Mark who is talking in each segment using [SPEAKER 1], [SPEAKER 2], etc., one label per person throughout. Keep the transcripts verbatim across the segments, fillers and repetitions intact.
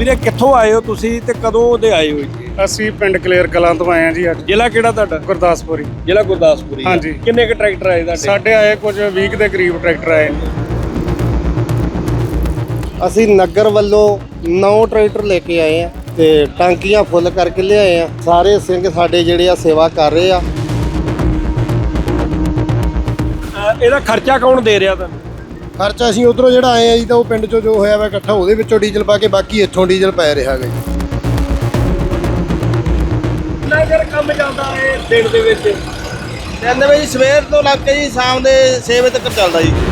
[SPEAKER 1] ਵੀਰੇ ਕਿੱਥੋਂ ਆਏ ਹੋ ਤੁਸੀਂ ਤੇ ਕਦੋਂ ਦੇ ਆਏ ਹੋ ਇੱਥੇ?
[SPEAKER 2] ਅਸੀਂ ਪਿੰਡ ਕਲੇਰ ਕਲਾਂ ਤੋਂ ਆਏ ਹਾਂ ਜੀ। ਅੱਜ
[SPEAKER 1] ਜ਼ਿਲ੍ਹਾ ਕਿਹੜਾ ਤੁਹਾਡਾ?
[SPEAKER 2] ਗੁਰਦਾਸਪੁਰੀ।
[SPEAKER 1] ਜ਼ਿਲ੍ਹਾ ਗੁਰਦਾਸਪੁਰੀ।
[SPEAKER 2] ਹਾਂਜੀ।
[SPEAKER 1] ਕਿੰਨੇ ਕੁ ਟਰੈਕਟਰ ਆਏ ਤੁਹਾਡੇ?
[SPEAKER 2] ਸਾਡੇ ਆਏ ਕੁਝ ਵੀਹ ਦੇ ਕਰੀਬ ਟਰੈਕਟਰ ਆਏ ਨੇ।
[SPEAKER 3] ਅਸੀਂ ਨਗਰ ਵੱਲੋਂ ਨੌ ਟਰੈਕਟਰ ਲੈ ਕੇ ਆਏ ਆ ਤੇ ਟਾਂਕੀਆਂ ਫੁੱਲ ਕਰਕੇ ਲਿਆਏ ਆ। ਸਾਰੇ ਸਿੰਘ ਸਾਡੇ ਜਿਹੜੇ ਆ ਸੇਵਾ ਕਰ ਰਹੇ ਆ।
[SPEAKER 1] ਇਹਦਾ ਖਰਚਾ ਕੌਣ ਦੇ ਰਿਹਾ ਤੁਹਾਨੂੰ?
[SPEAKER 3] ਖਰਚਾ ਅਸੀਂ ਉਧਰੋਂ ਜਿਹੜਾ ਆਏ ਆ ਜੀ ਤਾਂ ਉਹ ਪਿੰਡ ਚੋਂ ਜੋ ਹੋਇਆ ਵਾ ਇਕੱਠਾ ਉਹਦੇ ਵਿੱਚੋਂ ਡੀਜ਼ਲ ਪਾ ਕੇ ਬਾਕੀ ਇੱਥੋਂ ਡੀਜ਼ਲ ਪੈ ਰਿਹਾ ਹੈਗਾ ਜੀ।
[SPEAKER 1] ਕਿੰਨਾ ਚਿਰ ਕੰਮ ਚੱਲਦਾ ਹੈ ਦਿਨ ਦੇ ਵਿੱਚ?
[SPEAKER 4] ਕਹਿੰਦੇ ਬਈ ਸਵੇਰ ਤੋਂ ਲੱਗ ਕੇ ਜੀ ਸ਼ਾਮ ਦੇ ਛੇ ਵਜੇ ਤੱਕ ਚੱਲਦਾ ਜੀ।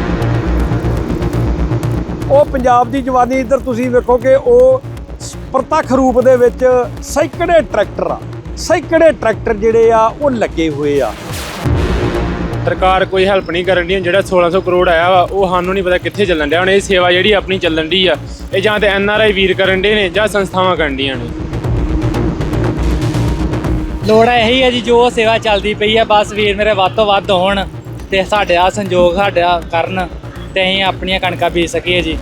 [SPEAKER 1] ਉਹ ਪੰਜਾਬ ਦੀ ਜਵਾਨੀ ਇੱਧਰ ਤੁਸੀਂ ਵੇਖੋ ਕਿ ਉਹ ਪ੍ਰਤੱਖ ਰੂਪ ਦੇ ਵਿੱਚ ਸੈਂਕੜੇ ਟਰੈਕਟਰ ਆ ਸੈਂਕੜੇ ਟਰੈਕਟਰ ਜਿਹੜੇ ਆ ਉਹ ਲੱਗੇ ਹੋਏ ਆ।
[SPEAKER 5] ਸਰਕਾਰ ਕੋਈ ਹੈਲਪ ਨਹੀਂ ਕਰਨ ਦੀ। ਜਿਹੜਾ ਸੋਲਾਂ ਸੌ ਕਰੋੜ ਆਇਆ ਵਾ ਉਹ ਸਾਨੂੰ ਨਹੀਂ ਪਤਾ ਕਿੱਥੇ ਚੱਲਣ ਡਿਆ। ਹੁਣ ਇਹ ਸੇਵਾ ਜਿਹੜੀ ਆਪਣੀ ਚੱਲਣ ਦੀ ਆ ਇਹ ਜਾਂ ਤੇ ਐਨ ਆਰ ਆਈ ਵੀਰ ਕਰਨ ਡੇ ਨੇ ਜਾਂ ਸੰਸਥਾਵਾਂ ਕਰਨ ਡੀਆਂ ਨੇ।
[SPEAKER 6] ਲੋੜ ਇਹੀ ਹੈ ਜੀ ਜੋ ਸੇਵਾ ਚੱਲਦੀ ਪਈ ਆ ਬਸ ਵੀਰ ਮੇਰੇ ਵੱਧ ਤੋਂ ਵੱਧ ਹੋਣ ਤੇ ਸਾਡੇ ਆ ਸੰਯੋਗ ਸਾਡਾ ਕਰਨ ਤੇ ਅਸੀਂ ਆਪਣੀਆਂ ਕਣਕਾਂ ਬੀਜ ਸਕੀਏ ਜੀ।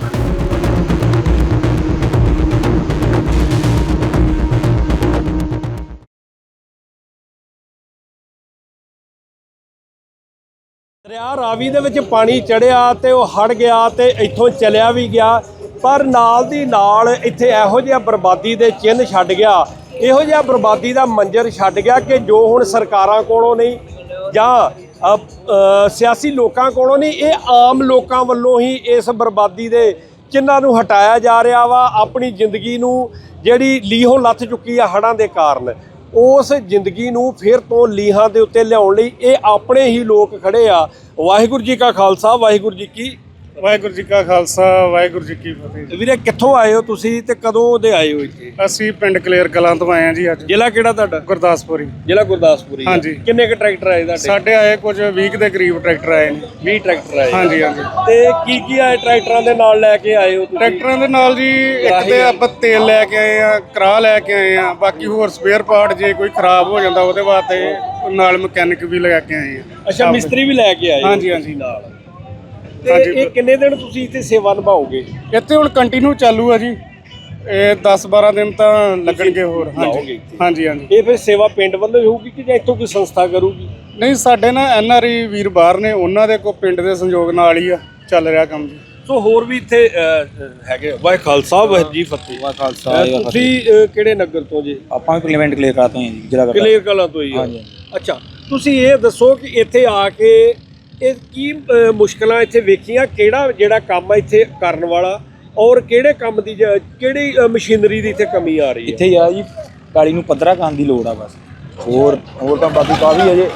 [SPEAKER 1] ਦਰਿਆ ਰਾਵੀ ਦੇ ਵਿੱਚ ਪਾਣੀ ਚੜਿਆ ਤੇ ਉਹ ਹੜ ਗਿਆ ਤੇ ਇੱਥੋਂ ਚਲਿਆ ਵੀ ਗਿਆ, ਪਰ ਨਾਲ ਦੀ ਨਾਲ ਇੱਥੇ ਇਹੋ ਜਿਹਾ ਬਰਬਾਦੀ ਦੇ ਚਿੰਨ੍ਹ ਛੱਡ ਗਿਆ, ਇਹੋ ਜਿਹਾ ਬਰਬਾਦੀ ਦਾ ਮੰਜ਼ਰ ਛੱਡ ਗਿਆ ਕਿ ਜੋ ਹੁਣ ਸਰਕਾਰਾਂ ਕੋਲੋਂ ਨਹੀਂ ਜਾਂ ਸਿਆਸੀ ਲੋਕਾਂ ਕੋਲੋਂ ਨਹੀਂ, ਇਹ ਆਮ ਲੋਕਾਂ ਵੱਲੋਂ ਹੀ ਇਸ ਬਰਬਾਦੀ ਦੇ ਚਿੰਨ੍ਹਾਂ ਨੂੰ ਹਟਾਇਆ ਜਾ ਰਿਹਾ ਵਾ। ਆਪਣੀ ਜ਼ਿੰਦਗੀ ਨੂੰ ਜਿਹੜੀ ਲੀਹੋਂ ਲੱਥ ਚੁੱਕੀ ਆ ਹੜ੍ਹਾਂ ਦੇ ਕਾਰਨ, ਉਸ ਜ਼ਿੰਦਗੀ ਨੂੰ ਫਿਰ ਤੋਂ ਲੀਹਾਂ ਦੇ ਉੱਤੇ ਲਿਆਉਣ ਲਈ ਇਹ ਆਪਣੇ ਹੀ ਲੋਕ ਖੜੇ ਆ। ਵਾਹਿਗੁਰੂ ਜੀ ਕਾ ਖਾਲਸਾ, ਵਾਹਿਗੁਰੂ ਜੀ ਕੀ
[SPEAKER 2] ਵਾਹਿਗੁਰੂ ਜੀ ਕਾ ਖਾਲਸਾ, ਵਾਹਿਗੁਰੂ ਜੀ ਕੀ ਫਤਿਹ।
[SPEAKER 1] ਵੀਰੇ ਕਿੱਥੋਂ ਆਏ ਹੋ ਤੁਸੀਂ ਤੇ ਕਦੋਂ ਦੇ ਆਏ ਹੋ ਇੱਥੇ?
[SPEAKER 2] ਅਸੀਂ ਪਿੰਡ ਕਲੇਰ ਕਲਾਂ ਤੋਂ ਆਏ ਹਾਂ ਜੀ। ਅੱਜ
[SPEAKER 1] ਜ਼ਿਲ੍ਹਾ ਕਿਹੜਾ ਤੁਹਾਡਾ?
[SPEAKER 2] ਗੁਰਦਾਸਪੁਰੀ।
[SPEAKER 1] ਜ਼ਿਲ੍ਹਾ ਗੁਰਦਾਸਪੁਰੀ।
[SPEAKER 2] ਹਾਂਜੀ।
[SPEAKER 1] ਕਿੰਨੇ ਕੁ ਟਰੈਕਟਰ ਆਏ ਤੁਹਾਡੇ?
[SPEAKER 2] ਸਾਡੇ ਆਏ ਕੁਝ ਵੀਹ ਦੇ ਕਰੀਬ ਟਰੈਕਟਰ ਆਏ ਨੇ।
[SPEAKER 1] ਵੀਹ ਟਰੈਕਟਰ ਆਏ।
[SPEAKER 2] ਹਾਂਜੀ ਹਾਂਜੀ।
[SPEAKER 1] ਤੇ ਕੀ ਕੀ ਆਏ ਟਰੈਕਟਰਾਂ ਦੇ ਨਾਲ ਲੈ ਕੇ ਆਏ ਹੋ ਤੁਸੀਂ?
[SPEAKER 2] ਟਰੈਕਟਰਾਂ ਦੇ ਨਾਲ ਜੀ ਇੱਕ ਤੇ ਆਪਾਂ ਤੇਲ ਲੈ ਕੇ ਆਏ ਆ, ਕਰਾ ਲੈ ਕੇ ਆਏ ਆ, ਬਾਕੀ ਹੋਰ ਸਪੇਅਰ ਪਾਰਟ ਜੇ ਕੋਈ ਖਰਾਬ ਹੋ ਜਾਂਦਾ ਉਹਦੇ ਵਾਸਤੇ ਨਾਲ ਮਕੈਨਿਕ ਵੀ ਲਗਾ ਕੇ ਆਏ ਆ।
[SPEAKER 1] ਅੱਛਾ, ਮਿਸਤਰੀ ਵੀ ਲੈ ਕੇ ਆਏ?
[SPEAKER 2] ਹਾਂਜੀ ਹਾਂਜੀ।
[SPEAKER 1] ਨਾਲ ਤੇ ਇਹ ਕਿੰਨੇ ਦਿਨ ਤੁਸੀਂ ਇੱਥੇ ਸੇਵਾ ਨਿਭਾਓਗੇ?
[SPEAKER 2] ਇੱਥੇ ਹੁਣ ਕੰਟੀਨਿਊ ਚਾਲੂ ਆ ਜੀ। ਇਹ ਦਸ ਬਾਰਾਂ ਦਿਨ ਤਾਂ ਲੱਗਣਗੇ ਹੋਰ। ਹਾਂਜੀ ਹਾਂਜੀ ਹਾਂਜੀ।
[SPEAKER 1] ਇਹ ਫਿਰ ਸੇਵਾ ਪਿੰਡ ਵੱਲੋਂ ਹੀ ਹੋਊਗੀ ਕਿ ਜਾਂ ਇੱਥੋਂ ਕੋਈ ਸੰਸਥਾ ਕਰੂਗੀ?
[SPEAKER 2] ਨਹੀਂ, ਸਾਡੇ ਨਾ ਐਨ ਆਰ ਆਈ ਵੀਰ ਬਾਹਰ ਨੇ, ਉਹਨਾਂ ਦੇ ਕੋ ਪਿੰਡ ਦੇ ਸੰਯੋਗ ਨਾਲ ਹੀ ਆ ਚੱਲ ਰਿਹਾ ਕੰਮ ਜੀ।
[SPEAKER 1] ਸੋ ਹੋਰ ਵੀ ਇੱਥੇ ਹੈਗੇ। ਵਾਹਿ ਖਾਲਸਾ ਵਾਹਿਗੁਰੂ ਜੀ ਫਤਿਹ।
[SPEAKER 7] ਵਾਹਿ ਖਾਲਸਾ।
[SPEAKER 1] ਤੁਸੀਂ ਕਿਹੜੇ ਨਗਰ ਤੋਂ ਜੀ?
[SPEAKER 7] ਆਪਾਂ ਵੀ ਪਾਰਲੀਮੈਂਟ ਕਲੀਅਰ ਕਰਾਤੇ ਹਾਂ ਜੀ, ਜ਼ਿਲ੍ਹਾ
[SPEAKER 1] ਕਲੀਅਰ ਕਲਾਂ ਤੋਂ ਹੀ।
[SPEAKER 7] ਹਾਂਜੀ।
[SPEAKER 1] ਅੱਛਾ, ਤੁਸੀਂ ਇਹ ਦੱਸੋ ਕਿ ਇੱਥੇ ਆ ਕੇ ਇਹ ਕੀ ਮੁਸ਼ਕਲਾਂ ਇੱਥੇ ਵੇਖੀਆਂ, ਕਿਹੜਾ ਜਿਹੜਾ ਕੰਮ ਆ ਇੱਥੇ ਕਰਨ ਵਾਲਾ, ਔਰ ਕਿਹੜੇ ਕੰਮ ਦੀ ਕਿਹੜੀ ਮਸ਼ੀਨਰੀ ਦੀ ਇੱਥੇ ਕਮੀ ਆ ਰਹੀ ਹੈ?
[SPEAKER 7] ਇੱਥੇ ਆ ਜੀ ਕਾਲੀ ਨੂੰ ਪੱਧਰਾ ਕਰਨ ਦੀ ਲੋੜ ਆ ਬਸ। ਹੋਰ ਹੋਰ ਤਾਂ ਬਾਕੀ ਕਾਫੀ ਅਜੇ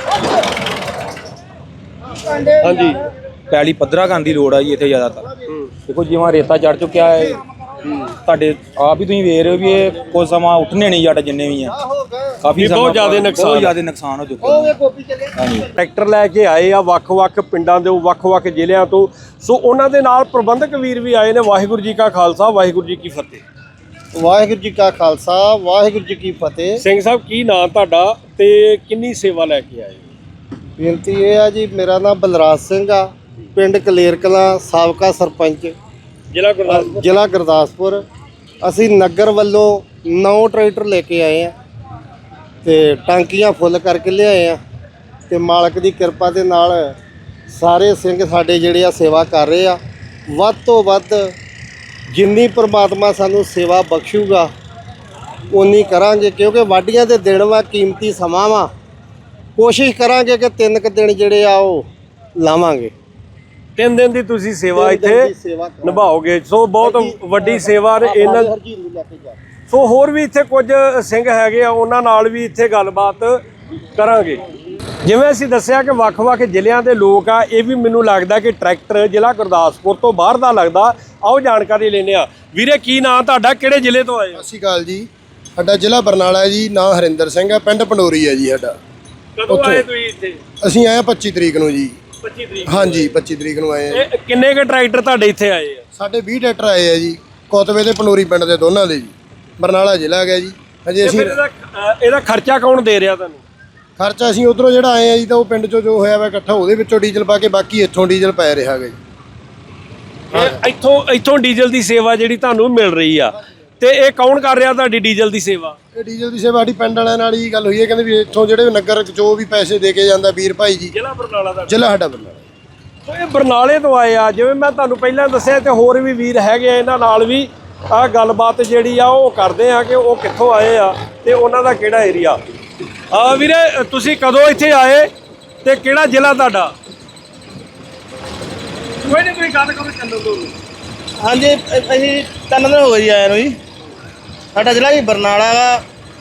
[SPEAKER 1] ਹਾਂਜੀ
[SPEAKER 7] ਪੈਲੀ ਪੱਧਰਾ ਕਰਨ ਦੀ ਲੋੜ ਆ ਜੀ ਇੱਥੇ ਜ਼ਿਆਦਾਤਰ। ਦੇਖੋ ਜਿਵੇਂ ਰੇਤਾ ਚੜ ਚੁੱਕਿਆ ਹੈ, ਤੁਹਾਡੇ ਆਪ ਹੀ ਤੁਸੀਂ ਵੇਖ ਰਹੇ ਹੋ ਵੀ ਇਹ ਕੁਝ ਸਮਾਂ ਉੱਠਣੇ ਨਹੀਂ ਜੱਟ ਜਿੰਨੇ ਵੀ ਆ, ਕਾਫੀ
[SPEAKER 1] ਬਹੁਤ ਜ਼ਿਆਦਾ ਨੁਕਸਾਨ
[SPEAKER 7] ਬਹੁਤ ਜ਼ਿਆਦਾ ਨੁਕਸਾਨ ਹੋ ਚੁੱਕਾ। ਹਾਂਜੀ।
[SPEAKER 1] ਟਰੈਕਟਰ ਲੈ ਕੇ ਆਏ ਆ ਵੱਖ-ਵੱਖ ਪਿੰਡਾਂ ਦੇ, ਵੱਖ-ਵੱਖ ਜ਼ਿਲ੍ਹਿਆਂ ਤੋਂ। ਸੋ ਉਹਨਾਂ ਦੇ ਨਾਲ ਪ੍ਰਬੰਧਕ ਵੀਰ ਵੀ ਆਏ ਨੇ। ਵਾਹਿਗੁਰੂ ਜੀ ਕਾ ਖਾਲਸਾ, ਵਾਹਿਗੁਰੂ ਜੀ ਕੀ ਫਤਿਹ।
[SPEAKER 3] ਵਾਹਿਗੁਰੂ ਜੀ ਕਾ ਖਾਲਸਾ, ਵਾਹਿਗੁਰੂ ਜੀ ਕੀ ਫਤਿਹ।
[SPEAKER 1] ਸਿੰਘ ਸਾਹਿਬ, ਕੀ ਨਾਂ ਤੁਹਾਡਾ ਤੇ ਕਿੰਨੀ ਸੇਵਾ ਲੈ ਕੇ ਆਏ?
[SPEAKER 3] ਬੇਨਤੀ ਇਹ ਆ ਜੀ, ਮੇਰਾ ਨਾਮ ਬਲਰਾਜ ਸਿੰਘ ਆ, ਪਿੰਡ ਕਲੇਰ ਕਲਾਂ, ਸਾਬਕਾ ਸਰਪੰਚ,
[SPEAKER 1] ਜ਼ਿਲ੍ਹਾ ਗੁਰਦਾਸਪੁਰ।
[SPEAKER 3] ਜ਼ਿਲ੍ਹਾ ਗੁਰਦਾਸਪੁਰ। ਅਸੀਂ ਨਗਰ ਵੱਲੋਂ ਨੌ ਟਰੈਕਟਰ ਲੈ ਕੇ ਆਏ ਆ ਤੇ ਟਾਂਕੀਆਂ ਫੁੱਲ ਕਰਕੇ ਲਿਆਏ ਆ ਤੇ ਮਾਲਕ ਦੀ ਕਿਰਪਾ ਦੇ ਨਾਲ ਸਾਰੇ ਸਿੰਘ ਸਾਡੇ ਜਿਹੜੇ ਆ ਸੇਵਾ ਕਰ ਰਹੇ ਆ। ਵੱਧ ਤੋਂ ਵੱਧ ਜਿੰਨੀ ਪ੍ਰਮਾਤਮਾ ਸਾਨੂੰ ਸੇਵਾ ਬਖਸ਼ੂਗਾ ਉਨੀ ਕਰਾਂਗੇ, ਕਿਉਂਕਿ ਵਾਢੀਆਂ ਦੇ ਦਿਨ ਵਾ, ਕੀਮਤੀ ਸਮਾਂ ਵਾ। ਕੋਸ਼ਿਸ਼ ਕਰਾਂਗੇ ਕਿ ਤਿੰਨ ਕੁ ਦਿਨ ਜਿਹੜੇ ਆ ਉਹ ਲਾਵਾਂਗੇ।
[SPEAKER 1] ਤਿੰਨ ਦਿਨ ਦੀ ਤੁਸੀਂ ਸੇਵਾ ਇੱਥੇ ਨਿਭਾਓਗੇ। ਸੋ ਬਹੁਤ ਵੱਡੀ ਸੇਵਾ ਨੇ ਇਹਨਾਂ। ਸੋ ਹੋਰ ਵੀ ਇੱਥੇ ਕੁਝ ਸਿੰਘ ਹੈਗੇ ਆ, ਉਹਨਾਂ ਨਾਲ ਵੀ ਇੱਥੇ ਗੱਲਬਾਤ ਕਰਾਂਗੇ। ਜਿਵੇਂ ਅਸੀਂ ਦੱਸਿਆ ਕਿ ਵੱਖ-ਵੱਖ ਜ਼ਿਲ੍ਹਿਆਂ ਦੇ ਲੋਕ ਆ, ਇਹ ਵੀ ਮੈਨੂੰ ਲੱਗਦਾ ਕਿ ਟਰੈਕਟਰ ਜ਼ਿਲ੍ਹਾ ਗੁਰਦਾਸਪੁਰ ਤੋਂ ਬਾਹਰ ਦਾ ਲੱਗਦਾ। ਆਓ ਜਾਣਕਾਰੀ ਲੈਂਦੇ ਆ। ਵੀਰੇ, ਕੀ ਨਾਂ ਤੁਹਾਡਾ, ਕਿਹੜੇ ਜ਼ਿਲ੍ਹੇ ਤੋਂ ਆਏ?
[SPEAKER 3] ਸਤਿ ਸ਼੍ਰੀ ਅਕਾਲ ਜੀ। ਸਾਡਾ ਜ਼ਿਲ੍ਹਾ ਬਰਨਾਲਾ ਹੈ ਜੀ, ਨਾਂ ਹਰਿੰਦਰ ਸਿੰਘ ਹੈ, ਪਿੰਡ ਪੰਡੋਰੀ ਹੈ ਜੀ ਸਾਡਾ।
[SPEAKER 1] ਕਦੋਂ ਆਏ ਤੁਸੀਂ ਇੱਥੇ?
[SPEAKER 3] ਅਸੀਂ ਆਏ ਪੱਚੀ ਤਰੀਕ ਨੂੰ ਜੀ।
[SPEAKER 1] ਪੱਚੀ ਤਰੀਕ?
[SPEAKER 3] ਹਾਂਜੀ, ਪੱਚੀ ਤਰੀਕ ਨੂੰ ਆਏ ਆ।
[SPEAKER 1] ਇਹ ਕਿੰਨੇ ਕੁ ਟਰੈਕਟਰ ਤੁਹਾਡੇ ਇੱਥੇ ਆਏ ਆ?
[SPEAKER 3] ਸਾਡੇ ਵੀਹ ਟਰੈਕਟਰ ਆਏ ਆ ਜੀ, ਕੋਤਵੇ ਦੇ ਪੰਡੋਰੀ ਪਿੰਡ ਦੇ ਦੋਨਾਂ ਦੇ ਜੀ। ਬਰਨਾਲਾ ਜ਼ਿਲ੍ਹਾ ਹੈਗਾ ਜੀ। ਹਜੇ ਅਸੀਂ
[SPEAKER 1] ਇਹਦਾ ਇਹਦਾ ਖਰਚਾ ਕੌਣ ਦੇ ਰਿਹਾ ਤੁਹਾਨੂੰ?
[SPEAKER 3] ਖਰਚਾ ਅਸੀਂ ਉਧਰੋਂ ਜਿਹੜਾ ਆਏ ਆ ਜੀ ਤਾਂ ਉਹ ਪਿੰਡ ਚੋਂ ਜੋ ਹੋਇਆ ਵਾ ਇਕੱਠਾ ਉਹਦੇ ਵਿੱਚੋਂ ਡੀਜ਼ਲ ਪਾ ਕੇ ਬਾਕੀ ਇੱਥੋਂ ਡੀਜ਼ਲ ਪੈ ਰਿਹਾ ਹੈਗਾ ਜੀ।
[SPEAKER 1] ਇਹ ਇੱਥੋਂ ਇੱਥੋਂ ਡੀਜ਼ਲ ਦੀ ਸੇਵਾ ਜਿਹੜੀ ਤੁਹਾਨੂੰ ਮਿਲ ਰਹੀ ਆ, ਤੇ ਇਹ ਕੌਣ ਕਰ ਰਿਹਾ ਤੁਹਾਡੀ ਡੀਜ਼ਲ ਦੀ ਸੇਵਾ?
[SPEAKER 8] ਇਹ ਡੀਜ਼ਲ ਦੀ ਸੇਵਾ ਸਾਡੀ ਪਿੰਡ ਵਾਲਿਆਂ ਨਾਲ ਹੀ ਗੱਲ ਹੋਈ ਹੈ, ਕਹਿੰਦੇ ਵੀ ਇੱਥੋਂ ਜਿਹੜੇ ਨਗਰ ਜੋ ਵੀ ਪੈਸੇ ਦੇ ਕੇ ਜਾਂਦਾ ਵੀਰ ਭਾਈ ਜੀ,
[SPEAKER 1] ਜ਼ਿਲ੍ਹਾ ਬਰਨਾਲਾ ਦਾ
[SPEAKER 8] ਜ਼ਿਲ੍ਹਾ ਸਾਡਾ ਬਰਨਾਲਾ।
[SPEAKER 1] ਸੋ ਇਹ ਬਰਨਾਲੇ ਤੋਂ ਆਏ ਆ, ਜਿਵੇਂ ਮੈਂ ਤੁਹਾਨੂੰ ਪਹਿਲਾਂ ਦੱਸਿਆ, ਤੇ ਹੋਰ ਵੀ ਵੀਰ ਹੈਗੇ ਆ, ਇਹਨਾਂ ਨਾਲ ਵੀ ਆਹ ਗੱਲਬਾਤ ਜਿਹੜੀ ਆ ਉਹ ਕਰਦੇ ਆ ਕਿ ਉਹ ਕਿੱਥੋਂ ਆਏ ਆ ਤੇ ਉਹਨਾਂ ਦਾ ਕਿਹੜਾ ਏਰੀਆ। ਆ ਵੀਰੇ, ਤੁਸੀਂ ਕਦੋਂ ਇੱਥੇ ਆਏ ਤੇ ਕਿਹੜਾ ਜ਼ਿਲ੍ਹਾ ਤੁਹਾਡਾ? ਕੋਈ ਨਹੀਂ, ਕੋਈ ਗੱਲ ਕਰੋ, ਚੱਲੋ ਦੋ।
[SPEAKER 4] ਹਾਂਜੀ ਅ- ਅਸੀਂ ਤਿੰਨ ਦਿਨ ਹੋ ਗਏ ਜੀ ਆਏ ਨੂੰ ਜੀ। ਸਾਡਾ ਜ਼ਿਲ੍ਹਾ ਜੀ ਬਰਨਾਲਾ ਗਾ,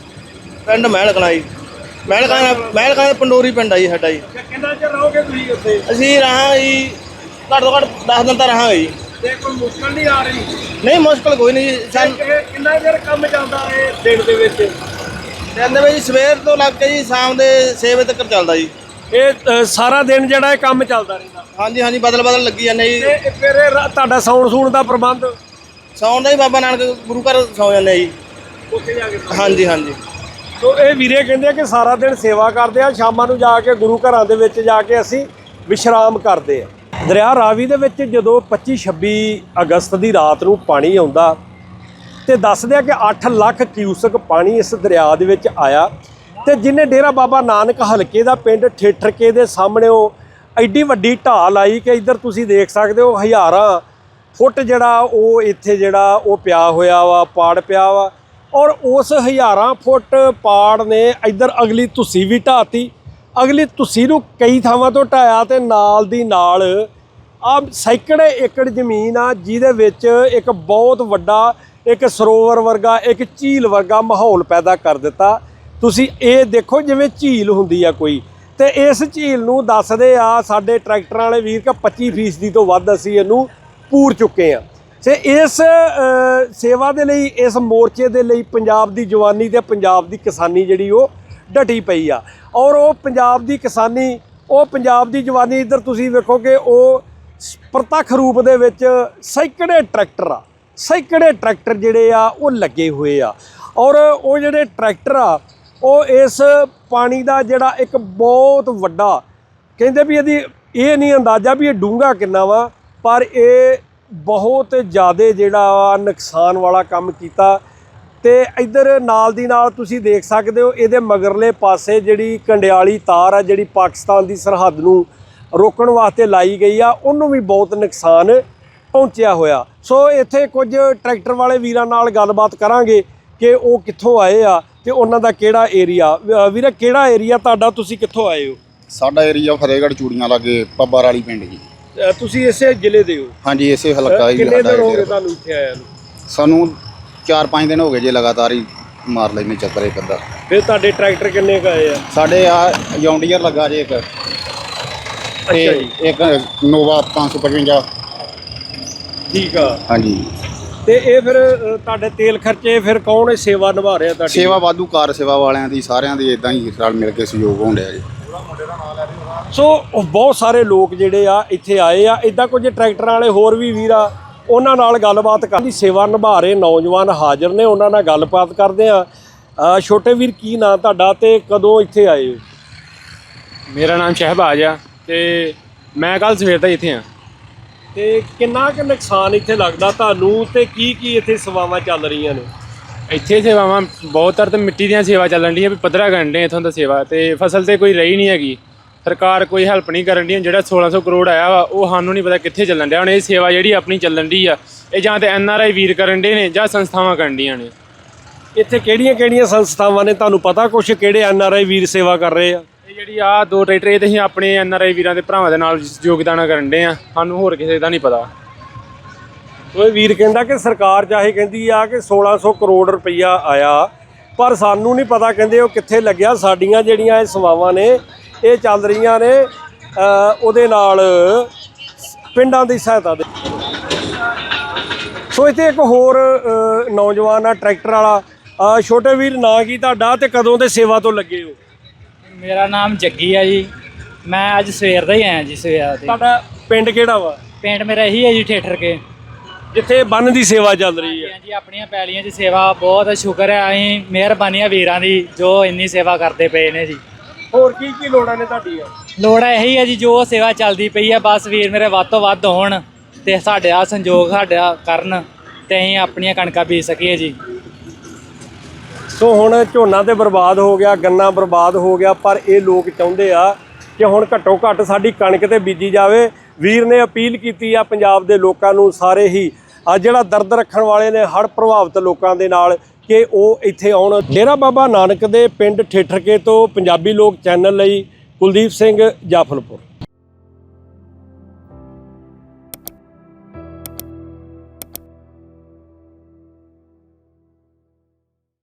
[SPEAKER 4] ਪਿੰਡ ਮਹਿਲ ਕਲਾਂ ਜੀ। ਮਹਿਲ ਕਲਾਂ ਮਹਿਲ ਕਲਾਂ ਪੰਡੋਰੀ ਪਿੰਡ ਆ ਜੀ ਸਾਡਾ ਜੀ।
[SPEAKER 1] ਕਿੰਨਾ ਚਿਰ ਰਹੋਗੇ ਤੁਸੀਂ ਉੱਥੇ?
[SPEAKER 4] ਅਸੀਂ ਰਹਾਂਗੇ ਜੀ ਘੱਟ ਤੋਂ ਘੱਟ ਦਸ ਦਿਨ ਤਾਂ ਰਹਾਂਗੇ ਜੀ।
[SPEAKER 1] ਤੇ ਕੋਈ ਮੁਸ਼ਕਲ ਨਹੀਂ ਆ ਰਹੀ?
[SPEAKER 4] ਨਹੀਂ ਮੁਸ਼ਕਲ ਕੋਈ ਨਹੀਂ ਜੀ। ਸਾਨੂੰ
[SPEAKER 1] ਇਹ ਕਿੰਨਾ ਚਿਰ ਕੰਮ ਚੱਲਦਾ ਹੈ ਦਿਨ ਦੇ ਵਿੱਚ?
[SPEAKER 4] ਕਹਿੰਦੇ ਵੀ ਜੀ ਸਵੇਰ ਤੋਂ ਲੱਗ ਕੇ ਜੀ ਸ਼ਾਮ ਦੇ ਛੇ ਵਜੇ ਤੱਕ ਚੱਲਦਾ ਜੀ।
[SPEAKER 1] ਇਹ ਅ, ਸਾਰਾ ਦਿਨ ਜਿਹੜਾ ਇਹ ਕੰਮ ਚੱਲਦਾ ਰਹਿੰਦਾ?
[SPEAKER 4] ਹਾਂਜੀ ਹਾਂਜੀ ਬਦਲ ਬਦਲ ਲੱਗੀ ਜਾਂਦੇ ਜੀ।
[SPEAKER 1] ਤੇ ਫਿਰ ਇਹ ਰਾ- ਤੁਹਾਡਾ ਸੌਣ ਸੂਣ ਦਾ ਪ੍ਰਬੰਧ?
[SPEAKER 4] ਸੌਣ ਦਾ ਹੀ ਬਾਬਾ ਨਾਨਕ ਗੁਰੂ ਘਰ ਸੌ ਜਾਂਦੇ ਜੀ।
[SPEAKER 1] ਉੱਥੇ ਜਾ ਕੇ?
[SPEAKER 4] ਹਾਂਜੀ ਹਾਂਜੀ।
[SPEAKER 1] ਸੋ ਇਹ ਵੀਰੇ ਕਹਿੰਦੇ ਆ ਕਿ ਸਾਰਾ ਦਿਨ ਸੇਵਾ ਕਰਦੇ ਆ, ਸ਼ਾਮਾਂ ਨੂੰ ਜਾ ਕੇ ਗੁਰੂ ਘਰਾਂ ਦੇ ਵਿੱਚ ਜਾ ਕੇ ਅਸੀਂ ਵਿਸ਼ਰਾਮ ਕਰਦੇ ਆ। ਦਰਿਆ ਰਾਵੀ ਦੇ ਵਿੱਚ ਜਦੋਂ ਪੱਚੀ ਛੱਬੀ ਅਗਸਤ ਦੀ ਰਾਤ ਨੂੰ ਪਾਣੀ ਆਉਂਦਾ ਤੇ ਦੱਸਦੇ ਆ ਕਿ ਅੱਠ ਲੱਖ ਕਿਊਸਕ ਪਾਣੀ ਇਸ ਦਰਿਆ ਦੇ ਵਿੱਚ ਆਇਆ, ਤੇ ਜਿਹਨੇ ਡੇਰਾ ਬਾਬਾ ਨਾਨਕ ਹਲਕੇ ਦਾ ਪਿੰਡ ਠੇਠਰਕੇ ਦੇ ਸਾਹਮਣੇ ਉਹ ਐਡੀ ਵੱਡੀ ਢਾਲ ਆਈ ਕਿ ਇੱਧਰ ਤੁਸੀਂ ਦੇਖ ਸਕਦੇ ਹੋ ਹਜ਼ਾਰਾਂ ਫੁੱਟ ਜਿਹੜਾ ਉਹ ਇੱਥੇ ਜਿਹੜਾ ਉਹ ਪਿਆ ਹੋਇਆ ਵਾ, ਪਾੜ ਪਿਆ ਵਾ, ਔਰ ਉਸ ਹਜ਼ਾਰਾਂ ਫੁੱਟ ਪਾੜ ਨੇ ਇੱਧਰ ਅਗਲੀ ਤੁਸੀਂ ਵੀ ਢਾਤੀ। ਅਗਲੀ ਤੁਸੀਂ ਨੂੰ ਕਈ ਥਾਵਾਂ ਤੋਂ ਢਾਇਆ, ਤੇ ਨਾਲ ਦੀ ਨਾਲ ਆ ਸੈਂਕੜੇ ਏਕੜ ਜ਼ਮੀਨ ਆ ਜਿਹਦੇ ਵਿੱਚ ਇੱਕ ਬਹੁਤ ਵੱਡਾ ਇੱਕ ਸਰੋਵਰ ਵਰਗਾ, ਇੱਕ ਝੀਲ ਵਰਗਾ ਮਾਹੌਲ ਪੈਦਾ ਕਰ ਦਿੱਤਾ। ਤੁਸੀਂ ਇਹ ਦੇਖੋ ਜਿਵੇਂ ਝੀਲ ਹੁੰਦੀ ਆ ਕੋਈ, ਤੇ ਇਸ ਝੀਲ ਨੂੰ ਦੱਸਦੇ ਆ ਸਾਡੇ ਟਰੈਕਟਰਾਂ ਵਾਲੇ ਵੀਰ ਕਿ ਪੱਚੀ ਫੀਸਦੀ ਤੋਂ ਵੱਧ ਅਸੀਂ ਇਹਨੂੰ ਪੂਰ ਚੁੱਕੇ ਆ। ਤੇ ਇਸ ਅ, ਸੇਵਾ ਦੇ ਲਈ, ਇਸ ਮੋਰਚੇ ਦੇ ਲਈ ਪੰਜਾਬ ਦੀ ਜਵਾਨੀ ਤੇ ਪੰਜਾਬ ਦੀ ਕਿਸਾਨੀ ਜਿਹੜੀ ਉਹ ਡਟੀ ਪਈ ਆ, ਔਰ ਉਹ ਪੰਜਾਬ ਦੀ ਕਿਸਾਨੀ, ਉਹ ਪੰਜਾਬ ਦੀ ਜਵਾਨੀ ਇੱਧਰ ਤੁਸੀਂ ਵੇਖੋ ਕਿ ਉਹ ਪ੍ਰਤੱਖ ਰੂਪ ਦੇ ਵਿੱਚ ਸੈਂਕੜੇ ਟਰੈਕਟਰ ਆ, ਸੈਂਕੜੇ ਟਰੈਕਟਰ ਜਿਹੜੇ ਆ ਉਹ ਲੱਗੇ ਹੋਏ ਆ, ਔਰ ਉਹ ਜਿਹੜੇ ਟਰੈਕਟਰ ਆ ਉਹ ਇਸ ਪਾਣੀ ਦਾ ਜਿਹੜਾ ਇੱਕ ਬਹੁਤ ਵੱਡਾ, ਕਹਿੰਦੇ ਵੀ ਇਹਦੀ ਇਹ ਨਹੀਂ ਅੰਦਾਜ਼ਾ ਵੀ ਇਹ ਡੂੰਘਾ ਕਿੰਨਾ ਵਾ, ਪਰ ਇਹ ਬਹੁਤ ਜ਼ਿਆਦਾ ਜਿਹੜਾ ਨੁਕਸਾਨ ਵਾਲਾ ਕੰਮ ਕੀਤਾ। ਤੇ ਇੱਧਰ ਨਾਲ ਦੀ ਨਾਲ ਤੁਸੀਂ ਦੇਖ ਸਕਦੇ ਹੋ ਇਹਦੇ ਮਗਰਲੇ ਪਾਸੇ ਜਿਹੜੀ ਕੰਡਿਆਲੀ ਤਾਰ ਆ, ਜਿਹੜੀ ਪਾਕਿਸਤਾਨ ਦੀ ਸਰਹੱਦ ਨੂੰ ਰੋਕਣ ਵਾਸਤੇ ਲਾਈ ਗਈ ਆ, ਉਹਨੂੰ ਵੀ ਬਹੁਤ ਨੁਕਸਾਨ ਪਹੁੰਚਿਆ ਹੋਇਆ। ਸੋ ਇੱਥੇ ਕੁਝ ਟਰੈਕਟਰ ਵਾਲੇ ਵੀਰਾਂ ਨਾਲ ਗੱਲਬਾਤ ਕਰਾਂਗੇ ਕਿ ਉਹ ਕਿੱਥੋਂ ਆਏ ਆ ਤੇ ਉਹਨਾਂ ਦਾ ਕਿਹੜਾ ਏਰੀਆ। ਵੀਰੇ, ਕਿਹੜਾ ਏਰੀਆ ਤੁਹਾਡਾ, ਤੁਸੀਂ ਕਿੱਥੋਂ ਆਏ ਹੋ?
[SPEAKER 9] ਸਾਡਾ ਏਰੀਆ ਫਤਿਹਗੜ੍ਹ ਚੂੜੀਆਂ ਲਾਗੇ ਪੱਬਾਰ ਵਾਲੀ ਪਿੰਡ ਜੀ।
[SPEAKER 1] ਅ, ਤੁਸੀਂ ਇਸੇ ਜ਼ਿਲ੍ਹੇ ਦੇ ਹੋ?
[SPEAKER 9] ਹਾਂਜੀ, ਇਸੇ ਹਲਕਾ ਹੀ
[SPEAKER 1] ਕਿੰਨੇ
[SPEAKER 9] ਸਾਡਾ
[SPEAKER 1] ਦਿਨ ਹੋ ਗਏ
[SPEAKER 9] ਏਰੀਆ।
[SPEAKER 1] ਤੁਹਾਨੂੰ ਇੱਥੇ ਆਇਆ ਨੂੰ?
[SPEAKER 9] ਸਾਨੂੰ ਚਾਰ ਪੰਜ ਦਿਨ ਹੋ ਗਏ ਜੇ ਲਗਾਤਾਰ ਹੀ ਮਾਰ ਲੈਨੇ ਚੱਕਰ ਇੱਕ ਅੱਧਾ।
[SPEAKER 1] ਫਿਰ ਤੁਹਾਡੇ ਟਰੈਕਟਰ ਕਿੰਨੇ ਕੁ ਆਏ ਆ?
[SPEAKER 9] ਸਾਡੇ ਆ ਜੌਂਡੀਅਰ ਲੱਗਾ ਜੇ ਇੱਕ, ਤੇ
[SPEAKER 1] ਜੀ।
[SPEAKER 9] ਇੱਕ ਨੋਵਾ ਪੰਜ ਸੌ ਪਚਵੰਜਾ।
[SPEAKER 1] ਠੀਕ ਆ।
[SPEAKER 9] ਹਾਂਜੀ,
[SPEAKER 1] ਤੇ ਇਹ ਫਿਰ ਅ, ਤੁਹਾਡੇ ਤੇਲ ਖਰਚੇ ਫਿਰ ਕੌਣ ਇਹ ਸੇਵਾ ਨਿਭਾ ਰਿਹਾ ਤੁਹਾਡੀ?
[SPEAKER 9] ਸੇਵਾ ਵਾਧੂ ਕਾਰ ਸੇਵਾ ਵਾਲਿਆਂ ਦੀ, ਸਾਰਿਆਂ ਦੀ ਇਦਾਂ ਹੀ ਰਲ ਮਿਲ ਕੇ ਸਹਿਯੋਗ ਹੋਣ ਡਿਆ ਜੀ।
[SPEAKER 1] ਸੋ ਉਹ ਬਹੁਤ ਸਾਰੇ ਲੋਕ ਜਿਹੜੇ ਆ ਇੱਥੇ ਆਏ ਆ, ਇਦਾਂ ਕੁਝ ਟਰੈਕਟਰਾਂ ਵਾਲੇ ਹੋਰ ਵੀ ਵੀਰ ਆ, ਉਹਨਾਂ ਨਾਲ ਗੱਲਬਾਤ ਕਰਨ ਦੀ ਸੇਵਾ ਨਿਭਾ ਰਹੇ ਨੌਜਵਾਨ ਹਾਜ਼ਰ ਨੇ, ਉਹਨਾਂ ਨਾਲ ਗੱਲਬਾਤ ਕਰਦੇ ਆ। ਅ, ਛੋਟੇ ਵੀਰ, ਕੀ ਨਾਂ ਤੁਹਾਡਾ ਤੇ ਕਦੋਂ ਇੱਥੇ ਆਏ ਹੋ?
[SPEAKER 5] ਮੇਰਾ ਨਾਮ ਸ਼ਹਿਬਾਜ਼ ਆ, ਤੇ ਮੈਂ ਕੱਲ ਸਵੇਰ ਦਾ ਇੱਥੇ ਆ।
[SPEAKER 1] ਤੇ ਕਿੰਨਾ ਕੁ ਨੁਕਸਾਨ ਇੱਥੇ ਲੱਗਦਾ ਤੁਹਾਨੂੰ, ਤੇ ਕੀ ਕੀ ਇੱਥੇ ਸੇਵਾਵਾਂ ਚੱਲ ਰਹੀਆਂ ਨੇ?
[SPEAKER 5] ਇੱਥੇ ਸੇਵਾਵਾਂ ਬਹੁਤ ਤਰ ਤੇ ਮਿੱਟੀ ਦੀਆਂ ਸੇਵਾ ਚੱਲਣ ਡੀਆਂ, ਵੀ ਪੱਧਰਾ ਕਰਨ ਡੇ ਇੱਥੋਂ ਦਾ ਸੇਵਾ, ਤੇ ਫਸਲ ਤੇ ਕੋਈ ਰਹੀ ਨਹੀਂ ਹੈਗੀ। ਸਰਕਾਰ ਕੋਈ ਹੈਲਪ ਨਹੀਂ ਕਰਨ ਡੀ। ਜਿਹੜਾ ਸੋਲਾਂ ਸੌ ਕਰੋੜ ਆਇਆ ਵਾ ਉਹ ਸਾਨੂੰ ਨਹੀਂ ਪਤਾ ਕਿੱਥੇ ਚੱਲਣ ਡਿਆ। ਹੁਣ ਇਹ ਸੇਵਾ ਜਿਹੜੀ ਆਪਣੀ ਚੱਲਣ ਡੀ ਆ, ਇਹ ਜਾਂ ਤੇ ਐਨ ਆਰ ਆਈ ਵੀਰ ਕਰਨ ਡੇ ਨੇ ਜਾਂ ਸੰਸਥਾਵਾਂ ਕਰਨ ਡੀਆਂ ਨੇ।
[SPEAKER 1] ਇੱਥੇ ਕਿਹੜੀਆਂ ਕਿਹੜੀਆਂ ਸੰਸਥਾਵਾਂ ਨੇ, ਤੁਹਾਨੂੰ ਪਤਾ ਕੁਛ ਕਿਹੜੇ ਐਨ ਆਰ ਆਈ ਵੀਰ ਸੇਵਾ ਕਰ ਰਹੇ ਆ?
[SPEAKER 5] ਇਹ ਜਿਹੜੀ ਆ ਦੋ ਟਰੈਕਟਰ, ਇਹ ਤੇ ਅਸੀਂ ਆਪਣੇ ਐਨ ਆਰ ਆਈ ਵੀਰਾਂ ਦੇ ਭਰਾਵਾਂ ਦੇ ਨਾਲ ਯੋਗਦਾਨ ਕਰਨ ਡੇ ਆ, ਸਾਨੂੰ ਹੋਰ ਕਿਸੇ ਦਾ ਨਹੀਂ ਪਤਾ।
[SPEAKER 1] ਉਹ ਵੀਰ ਕਹਿੰਦਾ ਕਿ ਸਰਕਾਰ ਚਾਹੇ ਕਹਿੰਦੀ ਆ ਕਿ ਸੋਲਾਂ ਸੌ ਕਰੋੜ ਰੁਪਈਆ ਆਇਆ, ਪਰ ਸਾਨੂੰ ਨਹੀਂ ਪਤਾ, ਕਹਿੰਦੇ ਉਹ ਕਿੱਥੇ ਲੱਗਿਆ। ਸਾਡੀਆਂ ਜਿਹੜੀਆਂ ਇਹ ਸੇਵਾਵਾਂ ਨੇ ਇਹ ਚੱਲ ਰਹੀਆਂ ਨੇ ਅ, ਉਹਦੇ ਨਾਲ ਪਿੰਡਾਂ ਦੀ ਸਹਾਇਤਾ ਦੇ। ਸੋ ਇੱਥੇ ਇੱਕ ਹੋਰ ਅ, ਨੌਜਵਾਨ ਆ ਟਰੈਕਟਰ ਵਾਲਾ। ਅ, ਛੋਟੇ ਵੀਰ, ਨਾਂ ਕੀ ਤੁਹਾਡਾ ਤੇ ਕਦੋਂ ਦੇ ਸੇਵਾ ਤੋਂ ਲੱਗੇ ਹੋ?
[SPEAKER 6] ਮੇਰਾ ਨਾਮ ਜੱਗੀ ਆ ਜੀ। ਮੈਂ ਅੱਜ ਸਵੇਰ ਦਾ ਹੀ ਆਇਆ ਜੀ, ਸਵੇਰ ਦੇ।
[SPEAKER 1] ਤੁਹਾਡਾ ਪਿੰਡ ਕਿਹੜਾ ਵਾ?
[SPEAKER 6] ਪਿੰਡ ਮੇਰਾ ਇਹੀ ਹੈ ਜੀ, ਠੇਠਰ ਕੇ,
[SPEAKER 1] ਜਿੱਥੇ ਬੰਨ ਦੀ ਸੇਵਾ ਚੱਲ ਰਹੀ ਹੈ।
[SPEAKER 6] ਜੀ ਆਪਣੀਆਂ ਪੈਲੀਆਂ 'ਚ ਸੇਵਾ। ਬਹੁਤ ਸ਼ੁਕਰ ਹੈ, ਅਸੀਂ ਮਿਹਰਬਾਨੀ ਆ ਵੀਰਾਂ ਦੀ ਜੋ ਇੰਨੀ ਸੇਵਾ ਕਰਦੇ ਪਏ ਨੇ ਜੀ।
[SPEAKER 1] ਹੋਰ ਕੀ ਕੀ ਲੋੜਾਂ ਨੇ ਤੁਹਾਡੀਆਂ?
[SPEAKER 6] ਲੋੜ ਇਹੀ ਹੈ ਜੀ, ਜੋ ਸੇਵਾ ਚੱਲਦੀ ਪਈ ਹੈ, ਬਸ ਵੀਰ ਮੇਰੇ ਵੱਧ ਤੋਂ ਵੱਧ ਹੋਣ ਤੇ ਸਾਡੇ ਆ ਸੰਯੋਗ ਸਾਡਾ ਕਰਨ ਤੇ ਅਸੀਂ ਆਪਣੀਆਂ ਕਣਕਾਂ ਬੀਜ ਸਕੀਏ ਜੀ।
[SPEAKER 1] ਸੋ ਹੁਣ ਝੋਨਾ ਤੇ ਬਰਬਾਦ ਹੋ ਗਿਆ, ਗੰਨਾ ਬਰਬਾਦ ਹੋ ਗਿਆ, ਪਰ ਇਹ ਲੋਕ ਚਾਹੁੰਦੇ ਆ ਕਿ ਹੁਣ ਘੱਟੋ ਘੱਟ ਸਾਡੀ ਕਣਕ ਤੇ ਬੀਜੀ ਜਾਵੇ। ਵੀਰ ਨੇ ਅਪੀਲ ਕੀਤੀ ਆ ਪੰਜਾਬ ਦੇ ਲੋਕਾਂ ਨੂੰ, ਸਾਰੇ ਹੀ ਆ ਜਿਹੜਾ ਦਰਦ ਰੱਖਣ ਵਾਲੇ ਨੇ ਹੜ੍ਹ ਪ੍ਰਭਾਵਿਤ ਲੋਕਾਂ ਦੇ ਨਾਲ, ਕਿ ਉਹ ਇੱਥੇ ਆਉਣ। ਡੇਰਾ ਬਾਬਾ ਨਾਨਕ ਦੇ ਪਿੰਡ ਠੇਠਰਕੇ ਤੋਂ ਪੰਜਾਬੀ ਲੋਕ ਚੈਨਲ ਲਈ ਕੁਲਦੀਪ ਸਿੰਘ ਜਾਫਲਪੁਰ।